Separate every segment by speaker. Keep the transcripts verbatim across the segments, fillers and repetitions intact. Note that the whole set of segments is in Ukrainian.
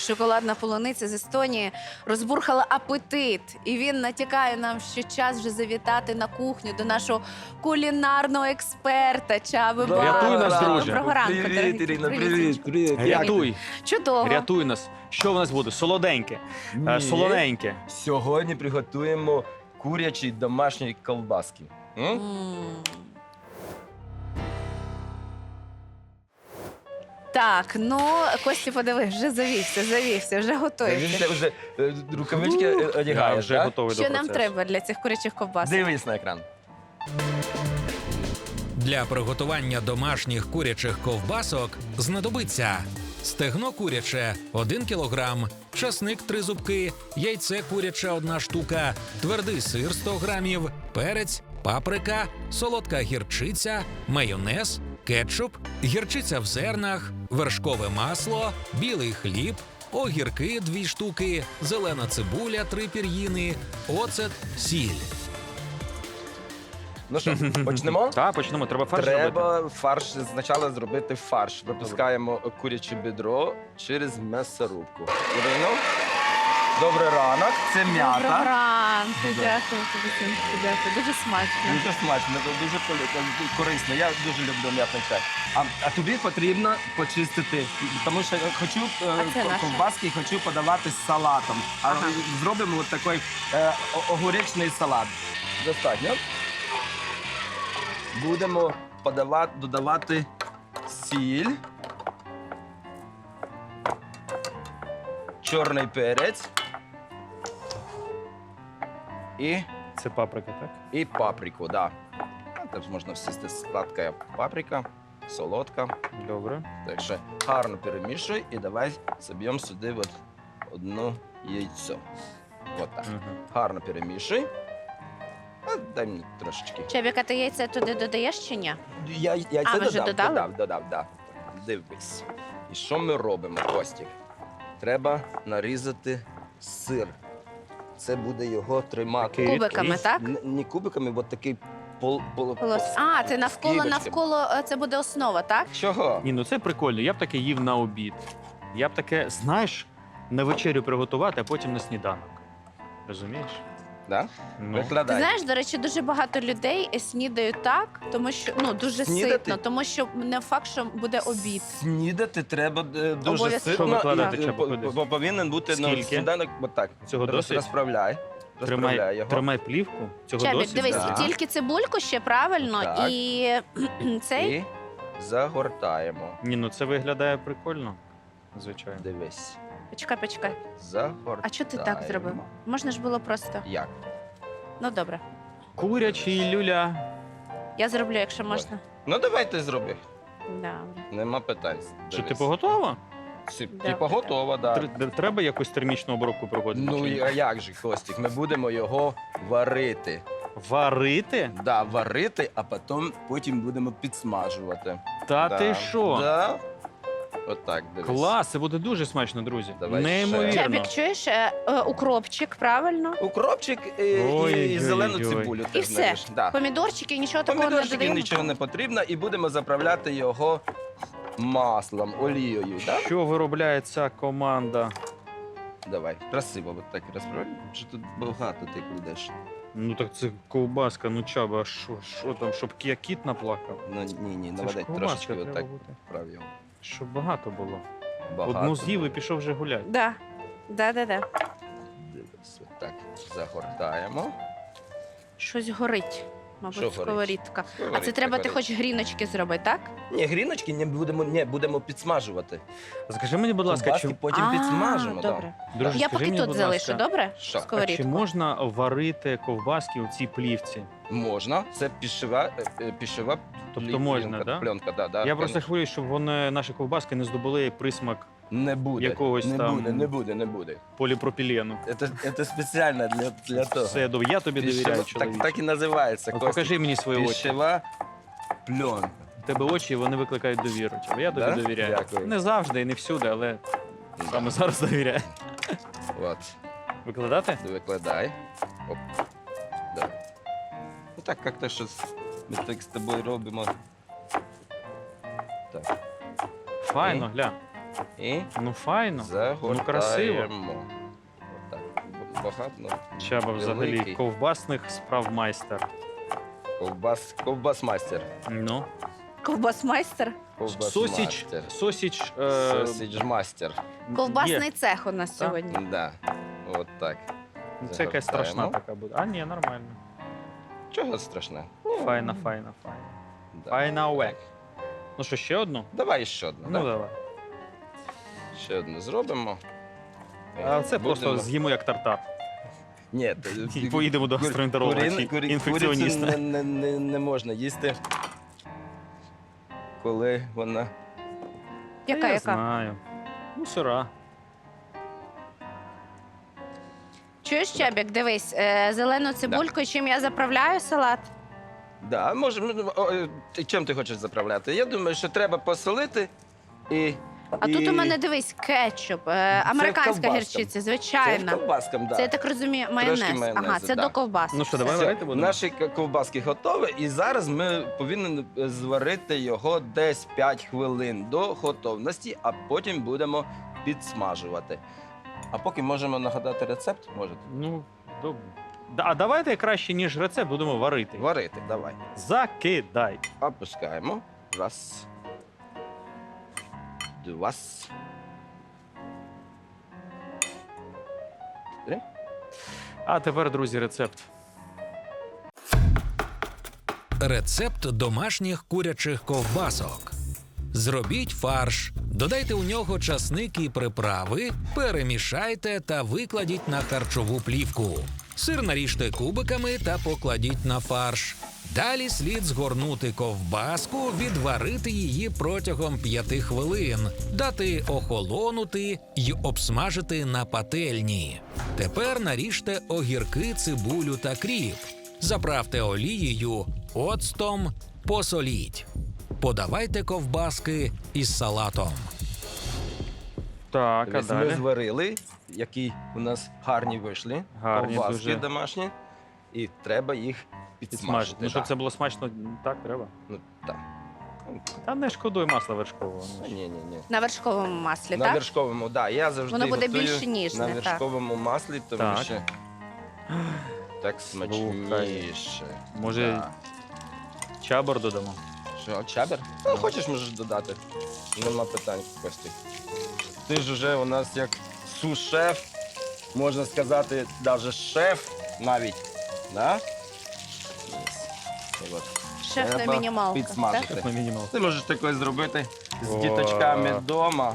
Speaker 1: шоколадна полуниця з Естонії розбурхала апетит. І він натякає нам, що час вже завітати на кухню до нашого кулінарного експерта Чаби
Speaker 2: Да,
Speaker 1: Баба.
Speaker 3: рятуй нас, друже.
Speaker 1: Доброго ранку,
Speaker 2: Привіт,
Speaker 1: дорогі.
Speaker 2: Ірина,
Speaker 1: Привіт,
Speaker 2: привіт,
Speaker 1: Сонечко.
Speaker 2: привіт.
Speaker 3: Рятуй,
Speaker 1: Чудово.
Speaker 3: рятуй нас. Що в нас буде? Солоденьке, е,
Speaker 2: Ні.
Speaker 3: солоненьке.
Speaker 2: Сьогодні приготуємо курячі домашні колбаски. М?
Speaker 1: М. Так, ну, Костя, подиви, вже завівся, завівся, вже
Speaker 2: Він
Speaker 1: готується.
Speaker 2: ще вже е, рукавички е,
Speaker 3: Я
Speaker 2: одягає,
Speaker 3: вже
Speaker 2: так?
Speaker 3: готовий до
Speaker 1: Що нам
Speaker 3: процесу.
Speaker 1: треба для цих курячих ковбасок?
Speaker 2: Дивись на екран.
Speaker 4: Для приготування домашніх курячих ковбасок знадобиться стегно куряче – один кілограм, часник – три зубки, яйце куряче – одна штука, твердий сир – сто грамів, перець, паприка, солодка гірчиця, майонез, кетчуп, гірчиця в зернах, вершкове масло, білий хліб, огірки – дві штуки, зелена цибуля – три пір'їни, оцет, сіль.
Speaker 2: Ну що, почнемо?
Speaker 3: Так, почнемо. Треба фарш робити.
Speaker 2: Треба фарш спочатку зробити фарш. Випускаємо куряче бедро через м'ясорубку. Ірина, добрий ранок, це
Speaker 1: Доброго
Speaker 2: м'ята.
Speaker 1: ранку,
Speaker 2: Да.
Speaker 1: дякую тобі, Синку, дякую. Дуже смачно.
Speaker 2: Дуже смачно, дуже полі- корисно. Я дуже люблю м'ятний чай. А, а тобі потрібно почистити, тому що я хочу е,
Speaker 1: А це
Speaker 2: ко-
Speaker 1: наше?
Speaker 2: ковбаски хочу подавати з салатом. А
Speaker 1: Ага.
Speaker 2: зробимо от такий е, о- огуречний салат. Достатньо. Будемо подавати, додавати сіль, чорний перець і
Speaker 3: Це паприка, так?
Speaker 2: І паприку, да. А Теж можна всісти сладка паприка, солодка.
Speaker 3: Добре.
Speaker 2: Так що гарно перемішуй і давай соб'ємо сюди от одну яйцо. От так.
Speaker 3: Мгм.
Speaker 2: Гарно перемішуй. А, дай мені трошечки.
Speaker 1: Чебіка, ти яйця туди додаєш чи ні?
Speaker 2: Я, яйце
Speaker 1: А, ви вже
Speaker 2: додав,
Speaker 1: додали?
Speaker 2: додав, додав, да. Дивись. І що ми робимо, Костік? Треба нарізати сир. Це буде його тримати.
Speaker 3: Такий
Speaker 1: Кубиками,
Speaker 3: рідкий.
Speaker 1: так?
Speaker 2: Н- Не кубиками, от такий пол, пол,
Speaker 1: Полос- А, це навколо,
Speaker 2: скибочками.
Speaker 1: навколо, е, це буде основа, так?
Speaker 2: Чого?
Speaker 3: Ні, ну це прикольно. Я б таке їв на обід. Я б таке, знаєш, на вечерю приготувати, а потім на сніданок. Розумієш?
Speaker 2: Да?
Speaker 3: Ну,
Speaker 1: Ти
Speaker 2: Викладай.
Speaker 1: знаєш, до речі, дуже багато людей е, снідають так, тому що ну дуже
Speaker 2: Снідати?
Speaker 1: ситно, тому що не факт, що буде обід.
Speaker 2: Снідати треба е, дуже
Speaker 1: Обов'язково.
Speaker 2: ситно.
Speaker 3: Що викладати,
Speaker 2: і,
Speaker 3: Чапа,
Speaker 2: по-
Speaker 3: куди?
Speaker 2: по- повинен бути на
Speaker 3: Скільки?
Speaker 2: сніданок отак.
Speaker 3: Цього
Speaker 2: Роз-
Speaker 3: досить?
Speaker 2: Розправляй. Розправляй
Speaker 3: Тримай,
Speaker 2: його.
Speaker 3: тримай плівку. Цього
Speaker 1: Чебік,
Speaker 3: досить?
Speaker 1: дивись,
Speaker 2: да.
Speaker 1: тільки цибульку ще правильно
Speaker 2: Так.
Speaker 1: і цей.
Speaker 2: І загортаємо.
Speaker 3: Ні, ну це виглядає прикольно. Звичайно.
Speaker 2: Дивись.
Speaker 1: Почекай, почекай.
Speaker 2: Загортаємо.
Speaker 1: А чого ти так зробив? Можна ж було просто.
Speaker 2: Як?
Speaker 1: Ну добре.
Speaker 3: Курячий люля.
Speaker 1: Я зроблю, якщо можна.
Speaker 2: Ну давай ти зроби.
Speaker 1: Добре.
Speaker 2: Нема питань.
Speaker 3: Що,
Speaker 2: Дивись.
Speaker 3: типу готова?
Speaker 2: Си-
Speaker 1: Добре,
Speaker 2: Типу готова, так. Да.
Speaker 3: Тр- Треба якусь термічну обробку проводити?
Speaker 2: Ну
Speaker 3: чи
Speaker 2: і-
Speaker 3: ні?
Speaker 2: а як же, Костік? Ми будемо його варити.
Speaker 3: Варити?
Speaker 2: Да, варити, а потім, потім будемо підсмажувати.
Speaker 3: Та
Speaker 2: да.
Speaker 3: ти що?
Speaker 2: Да. Отак, дивись.
Speaker 3: Клас, це буде дуже смачно, друзі.
Speaker 2: Давай ще.
Speaker 3: Неймовірно.
Speaker 1: Чебік, чуєш, е, е, укропчик, правильно?
Speaker 2: Укропчик і,
Speaker 3: Ой,
Speaker 2: і,
Speaker 3: ой,
Speaker 2: зелену
Speaker 3: ой.
Speaker 2: цибулю.
Speaker 1: І
Speaker 2: теж
Speaker 1: все.
Speaker 2: наріж. Да.
Speaker 1: Помідорчики, нічого такого не
Speaker 2: Помідорчики
Speaker 1: додаємо?
Speaker 2: нічого не потрібно, і будемо заправляти його маслом, олією. Да?
Speaker 3: Що виробляє ця команда?
Speaker 2: Давай, красиво, от так розправляй. Що тут багато ти кладеш.
Speaker 3: Ну так це ковбаска, ну Чаба, а що, що там, щоб я кіт наплакав?
Speaker 2: Ну ні, ні,
Speaker 3: Це ж
Speaker 2: наведай
Speaker 3: ковбаска
Speaker 2: трошечки
Speaker 3: треба
Speaker 2: отак
Speaker 3: бути.
Speaker 2: вправ його.
Speaker 3: Щоб багато було.
Speaker 2: Багато.
Speaker 3: Одну з'їв і пішов вже гуляти.
Speaker 1: Да. Да, да, да.
Speaker 2: Дивись, отак загортаємо.
Speaker 1: Щось горить.
Speaker 2: Що
Speaker 1: Мабуть,
Speaker 2: горить?
Speaker 1: сковорідка. А це
Speaker 2: Говорить,
Speaker 1: треба,
Speaker 2: так
Speaker 1: ти
Speaker 2: говорить.
Speaker 1: хочеш гріночки зробити, так?
Speaker 2: Ні, гріночки не будемо, не, будемо підсмажувати.
Speaker 3: Скажи мені, будь ласка,
Speaker 2: Ковбаски
Speaker 3: чи,
Speaker 2: потім
Speaker 1: А,
Speaker 2: підсмажимо. да.
Speaker 1: Добре.
Speaker 3: друже,
Speaker 1: Я
Speaker 3: скажи
Speaker 1: поки
Speaker 3: мені,
Speaker 1: тут
Speaker 3: будь
Speaker 1: залишу,
Speaker 3: ласка,
Speaker 1: добре?
Speaker 2: Що? А чи
Speaker 3: а чи
Speaker 1: Сковорідку.
Speaker 3: можна варити ковбаски у цій плівці?
Speaker 2: Можна, це пішова, е, е, пішова
Speaker 3: Тобто
Speaker 2: плі-
Speaker 3: можна,
Speaker 2: пленка,
Speaker 3: да?
Speaker 2: пленка, да, да,
Speaker 3: Я просто
Speaker 2: конечно.
Speaker 3: хвилююсь, щоб вони, наші ковбаски не здобули присмак
Speaker 2: Не буде,
Speaker 3: якогось
Speaker 2: не
Speaker 3: там-
Speaker 2: буде, не буде, не буде.
Speaker 3: поліпропілену.
Speaker 2: Це, це спеціально для, для того.
Speaker 3: Все, добре, я тобі довіряю,
Speaker 2: Пішова- так,
Speaker 3: чоловіче.
Speaker 2: так і називається.
Speaker 3: От
Speaker 2: Костя.
Speaker 3: покажи мені свої очі.
Speaker 2: Пішова пленка.
Speaker 3: У тебе очі, вони викликають довіру. Чаба. Я тобі
Speaker 2: Да?
Speaker 3: довіряю.
Speaker 2: Дякую.
Speaker 3: Не завжди і не всюди, але
Speaker 2: Да.
Speaker 3: саме зараз довіряю.
Speaker 2: От,
Speaker 3: Викладати?
Speaker 2: викладай. Оп. Давай. Ну так, як-то щось ми так з тобою робимо. Так.
Speaker 3: Файно, гля.
Speaker 2: І
Speaker 3: Ну, файно.
Speaker 2: загортаємо.
Speaker 3: Ну, красиво.
Speaker 2: Отак. Багато. ну,
Speaker 3: Чаба взагалі
Speaker 2: Великий.
Speaker 3: ковбасних справ майстер.
Speaker 2: Ковбас, ковбас-майстер.
Speaker 3: Ну.
Speaker 1: Ковбасмайстер.
Speaker 3: Сосіч,
Speaker 2: Ковбас-майстер.
Speaker 3: сосіч, е,
Speaker 2: Сосідж-мастер.
Speaker 1: Ковбасний
Speaker 3: є.
Speaker 1: цех у нас
Speaker 3: Так.
Speaker 1: сьогодні.
Speaker 2: Да. От так.
Speaker 3: Ну, це якась страшна
Speaker 2: Загортаємо.
Speaker 3: така буде. А, ні, нормально.
Speaker 2: Чого страшне?
Speaker 3: Файна, файна, файна.
Speaker 2: Да.
Speaker 3: Файна уек.
Speaker 2: Так.
Speaker 3: Ну що, ще одну?
Speaker 2: Давай ще одну.
Speaker 3: Ну,
Speaker 2: да?
Speaker 3: давай.
Speaker 2: Ще одну зробимо.
Speaker 3: А це просто
Speaker 2: Будемо-
Speaker 3: з'їмо як тартар.
Speaker 2: Ні,
Speaker 3: І поїдемо до гастроентеролога чи
Speaker 2: курі- курі-
Speaker 3: інфекціоніста.
Speaker 2: курицю Не, не, не, не можна їсти, коли вона.
Speaker 1: Яка,
Speaker 3: Я
Speaker 1: яка?
Speaker 3: знаю. Ну, сира.
Speaker 1: Чуєш, Чебік, дивись, е, зелену цибульку, чим я заправляю салат?
Speaker 2: Да, може, ну, о, е, ти- чим ти хочеш заправляти? Я думаю, що треба посолити і.
Speaker 1: А
Speaker 2: і...
Speaker 1: тут у мене, дивись, кетчуп, е, американська
Speaker 2: ковбаска.
Speaker 1: гірчиця,
Speaker 2: Це
Speaker 1: звичайна.
Speaker 2: ковбаском, да.
Speaker 1: Це, я так розумію, майонез.
Speaker 2: майонезу,
Speaker 1: Ага, це
Speaker 2: да.
Speaker 1: до ковбаси.
Speaker 3: Ну що, давай
Speaker 2: Все,
Speaker 3: варити будемо?
Speaker 2: Наші к- ковбаски готові, і зараз ми повинні зварити його десь п'ять хвилин до готовності, а потім будемо підсмажувати. А поки можемо нагадати рецепт, можете?
Speaker 3: Ну, добре. Да, а давайте краще, ніж рецепт, будемо варити.
Speaker 2: Варити, давай.
Speaker 3: Закидай.
Speaker 2: Опускаємо. Раз. Два. Три.
Speaker 3: А тепер, друзі, рецепт.
Speaker 4: Рецепт домашніх курячих ковбасок. Зробіть фарш, додайте у нього часник і приправи, перемішайте та викладіть на харчову плівку. Сир наріжте кубиками та покладіть на фарш. Далі слід згорнути ковбаску, відварити її протягом п'яти хвилин, дати охолонути й обсмажити на пательні. Тепер наріжте огірки, цибулю та кріп. Заправте олією, оцтом, посоліть. Подавайте ковбаски із салатом.
Speaker 3: Так, а
Speaker 2: Дивись, ми
Speaker 3: далі?
Speaker 2: зварили, які у нас гарні вийшли.
Speaker 3: Гарні
Speaker 2: ковбаски
Speaker 3: дуже.
Speaker 2: домашні. І треба їх
Speaker 3: Підсмажити.
Speaker 2: підсмажити.
Speaker 3: Ну, щоб
Speaker 2: да.
Speaker 3: це було смачно, так треба.
Speaker 2: Ну, так.
Speaker 3: Та не шкодуй масла вершкового. ну ж.
Speaker 2: Ні, ні, ні.
Speaker 1: На вершковому маслі,
Speaker 2: На
Speaker 1: так?
Speaker 2: вершковому, так. Да, я завжди
Speaker 1: Воно буде
Speaker 2: готую
Speaker 1: більш ніжне,
Speaker 2: на
Speaker 1: так.
Speaker 2: вершковому маслі, тому
Speaker 3: Так.
Speaker 2: що так смачніше.
Speaker 3: Може,
Speaker 2: Да.
Speaker 3: чабор додамо?
Speaker 2: Що, чабер? Ну, хочеш, можеш додати. Нема питань, Костік. Ти ж уже у нас як су-шеф, можна сказати, навіть шеф навіть. Да? Єс. І от.
Speaker 1: Шеф на
Speaker 2: Треба
Speaker 1: мінімалках, так?
Speaker 2: підсмажити.
Speaker 3: Так, на мінімал.
Speaker 2: Ти можеш таке зробити з
Speaker 3: О.
Speaker 2: діточками вдома.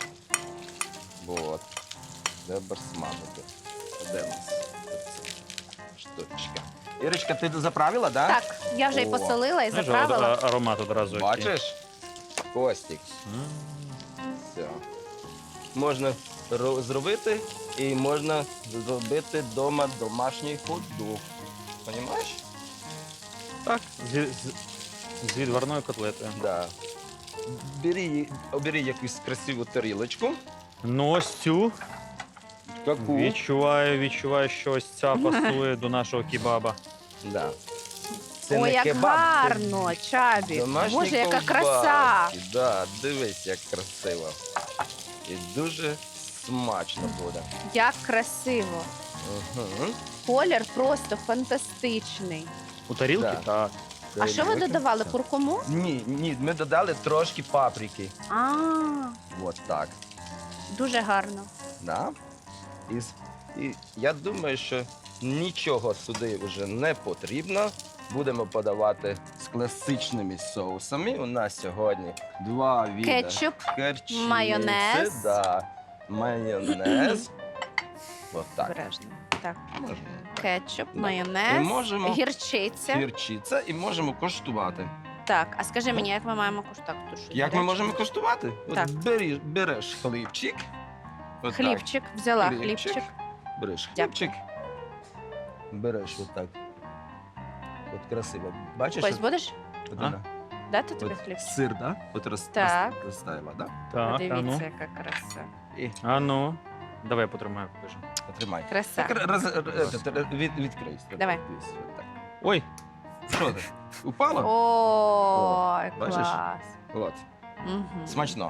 Speaker 2: От. Треба смажити. Де у нас ця штучка? Ірочка, ти заправила, так? Да?
Speaker 1: Так, я вже й
Speaker 2: О.
Speaker 1: посолила і
Speaker 3: Знаєш,
Speaker 1: заправила.
Speaker 3: а- аромат одразу. який.
Speaker 2: Бачиш? Костік.
Speaker 3: М.
Speaker 2: Все. Можна ро- зробити і можна зробити вдома домашній хот-дог. Понімаєш?
Speaker 3: Так, з, з, з відварною котлетою.
Speaker 2: Да. Бери, обери якусь красиву тарілочку.
Speaker 3: Ну, ось цю.
Speaker 2: Таку.
Speaker 3: Відчуваю, відчуваю, що ось ця пасує до нашого кебаба.
Speaker 2: Да.
Speaker 1: Ой,
Speaker 2: не
Speaker 1: як
Speaker 2: кебаб, це
Speaker 1: гарно, Чабі.
Speaker 2: домашні
Speaker 1: Боже, яка
Speaker 2: ковбаски.
Speaker 1: краса.
Speaker 2: Да, дивись, як красиво. І дуже смачно буде.
Speaker 1: Як красиво.
Speaker 2: Угу.
Speaker 1: Колір просто фантастичний.
Speaker 3: У тарілки?
Speaker 2: Да.
Speaker 3: Так.
Speaker 1: А що ви додавали? Куркуму?
Speaker 2: Ні, ні, ми додали трошки паприки.
Speaker 1: А,
Speaker 2: От так.
Speaker 1: дуже гарно.
Speaker 2: Да? І, з- і я думаю, що нічого сюди вже не потрібно. Будемо подавати з класичними соусами. У нас сьогодні два види.
Speaker 1: Кетчуп,
Speaker 2: Керчиці,
Speaker 1: майонез.
Speaker 2: Да, майонез. От так.
Speaker 1: Обережно. Так.
Speaker 2: Можна.
Speaker 1: Кетчуп,
Speaker 2: Да.
Speaker 1: майонез,
Speaker 2: І можемо-
Speaker 1: гірчиця.
Speaker 2: Гірчиця і можемо коштувати.
Speaker 1: Так, а скажи мені, як ми маємо куштувати? Тут щось
Speaker 2: Як ми
Speaker 1: гаряче?
Speaker 2: можемо коштувати?
Speaker 1: Так.
Speaker 2: От бери, береш хлібчик. От так.
Speaker 1: Хлібчик, взяла
Speaker 2: Хлібчик.
Speaker 1: хлібчик.
Speaker 2: Береш
Speaker 1: Дякую.
Speaker 2: хлібчик. Береш отак. От красиво. Бачиш?
Speaker 1: Ось
Speaker 2: от-
Speaker 1: будеш?
Speaker 2: от
Speaker 3: А?
Speaker 2: вона?
Speaker 1: Дати тобі
Speaker 2: От
Speaker 1: хліб?
Speaker 2: сир, да? От роз,
Speaker 1: Так.
Speaker 2: роз- розставила, да?
Speaker 3: Так, а
Speaker 1: Подивіться,
Speaker 3: ну.
Speaker 1: яка краса.
Speaker 2: І
Speaker 3: А ну. Давай я потримаю, покажу.
Speaker 2: тримай.
Speaker 1: Краса.
Speaker 2: Так, роз, роз, від, відкрий.
Speaker 1: Давай.
Speaker 2: Дивись, отак.
Speaker 3: Ой,
Speaker 2: Що ти? Упало?
Speaker 1: Ой,
Speaker 2: бачиш?
Speaker 1: клас.
Speaker 2: От.
Speaker 1: Мгм.
Speaker 2: Смачного.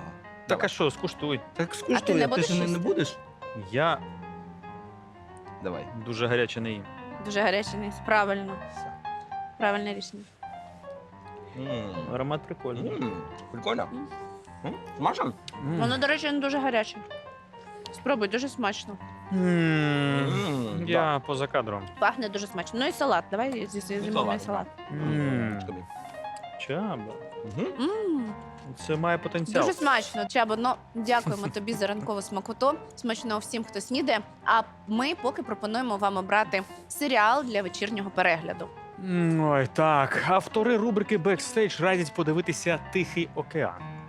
Speaker 3: Так а що, скуштуй.
Speaker 2: Так
Speaker 1: А ти не
Speaker 2: скуштуй,
Speaker 1: будеш
Speaker 2: ти ж не, не
Speaker 1: їсти?
Speaker 2: будеш?
Speaker 3: Я
Speaker 2: Давай.
Speaker 3: дуже гаряче не їм.
Speaker 1: Дуже гарячий низ. Правильно. Правильне рішення.
Speaker 2: М.
Speaker 3: Аромат прикольний.
Speaker 2: М, Прикольно.
Speaker 1: М.
Speaker 2: М, Смачно?
Speaker 3: М.
Speaker 1: Воно, до речі, не дуже гаряче. Спробуй, дуже смачно.
Speaker 3: М.
Speaker 2: М,
Speaker 3: Я поза кадром.
Speaker 1: Пахне дуже смачно. Ну і салат. Давай зі зимовий
Speaker 2: салат,
Speaker 1: салат.
Speaker 3: М.
Speaker 2: Тобі.
Speaker 3: Чаба.
Speaker 2: Мгм.
Speaker 1: М,
Speaker 3: Це має потенціал.
Speaker 1: Дуже смачно, Чабо. Ну, дякуємо тобі за ранкову смакоту. Смачного всім, хто снідає. А ми поки пропонуємо вам обрати серіал для вечірнього перегляду.
Speaker 3: М, Ой, так. Автори рубрики «Бекстейдж» радять подивитися «Тихий океан».